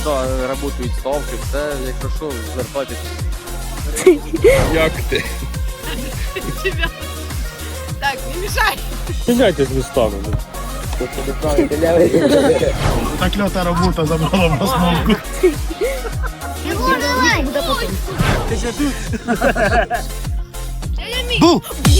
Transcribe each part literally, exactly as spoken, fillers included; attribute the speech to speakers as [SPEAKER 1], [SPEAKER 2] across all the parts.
[SPEAKER 1] да, працюють ставки, все, якщо що, звертайтеся.
[SPEAKER 2] Як ти?
[SPEAKER 3] Так, не мешай.
[SPEAKER 2] Міняйтесь містами.
[SPEAKER 4] Так льота робота забрала в основку.
[SPEAKER 3] Бу!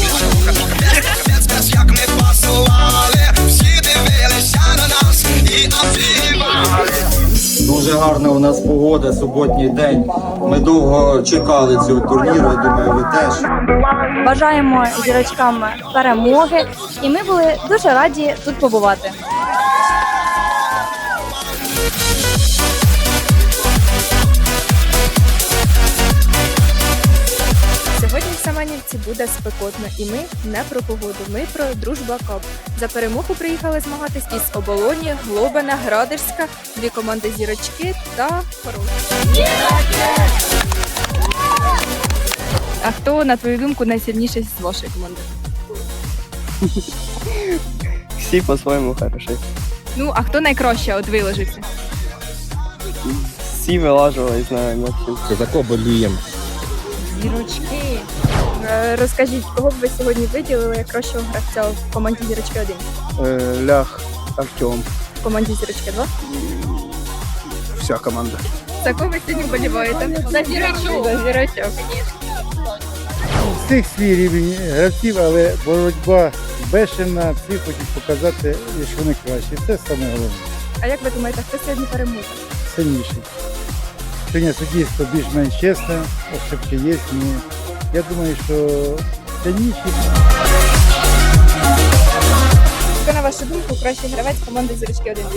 [SPEAKER 5] Як ми пасували, всі дивилися на нас і обіймали.
[SPEAKER 6] Дуже гарна у нас погода, суботній день. Ми довго чекали цього турніру, я думаю, ви теж.
[SPEAKER 7] Бажаємо зірочкам перемоги, і ми були дуже раді тут побувати.
[SPEAKER 8] Сьогодні в Семенівці буде спекотно, і ми не про погоду, ми про Дружба Кап. За перемогу приїхали змагатись із Оболоні, Глобина, Градерська, дві команди Зірочки та Хорол. А хто, на твою думку, найсильніший з вашої команди?
[SPEAKER 1] Всі по-своєму хороші.
[SPEAKER 8] Ну, а хто найкраще от виложився?
[SPEAKER 1] Всі вилажували, знаю, Максим.
[SPEAKER 2] За кого боліємо?
[SPEAKER 8] Зірочки. Е, Розкажіть, кого б ви сьогодні виділили як кращого гравця в команді Зірочки один?
[SPEAKER 1] Лях, Артем.
[SPEAKER 8] В команді Зірочки два?
[SPEAKER 4] Вся команда.
[SPEAKER 8] За кого ви сьогодні вболіваєте? За Зірочок. За Зірочок.
[SPEAKER 9] Всіх свій рівень гравців, але боротьба бешена, всі хочуть показати, що вони кращі. Це саме головне.
[SPEAKER 8] А як ви думаєте, хто сьогодні переможе?
[SPEAKER 9] Сильніший. Сьогодні суддівство більш-менш чесне, ошибки є. Ну, я думаю, що сильніші.
[SPEAKER 8] Хто, на вашу думку, кращий гравець команди Зірочки один?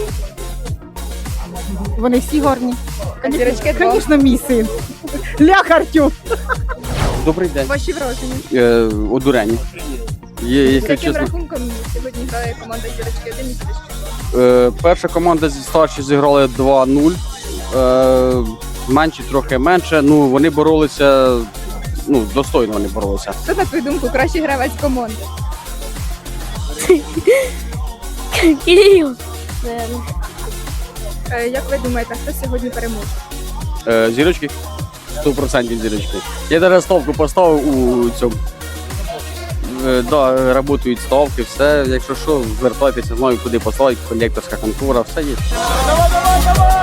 [SPEAKER 3] Вони всі гарні.
[SPEAKER 8] А Зірочки два?
[SPEAKER 3] Звісно, мій син. Лях Артем.
[SPEAKER 1] Добрий день.
[SPEAKER 8] Ваші враження?
[SPEAKER 1] Е, одурені. Є,
[SPEAKER 8] З
[SPEAKER 1] якщо
[SPEAKER 8] яким
[SPEAKER 1] чесно.
[SPEAKER 8] рахунком сьогодні грає команда Зірочки один і Зірочки два?
[SPEAKER 1] Е, перша команда зі старші зіграли два нуль. Е, менші трохи менше. Ну, вони боролися, ну, достойно вони боролися.
[SPEAKER 8] Хто, на твою думку, кращий гравець команди?
[SPEAKER 7] Кирил!
[SPEAKER 8] Е, Як ви думаєте, хто сьогодні переможе?
[SPEAKER 1] Е, зірочки? сто відсотків зірочки. Я навіть ставку поставив у цьому. Е, да, працюють ставки, все. Якщо що, звертайтеся, знаю, куди послати, колекторська контора, все є.
[SPEAKER 4] Давай, давай, давай!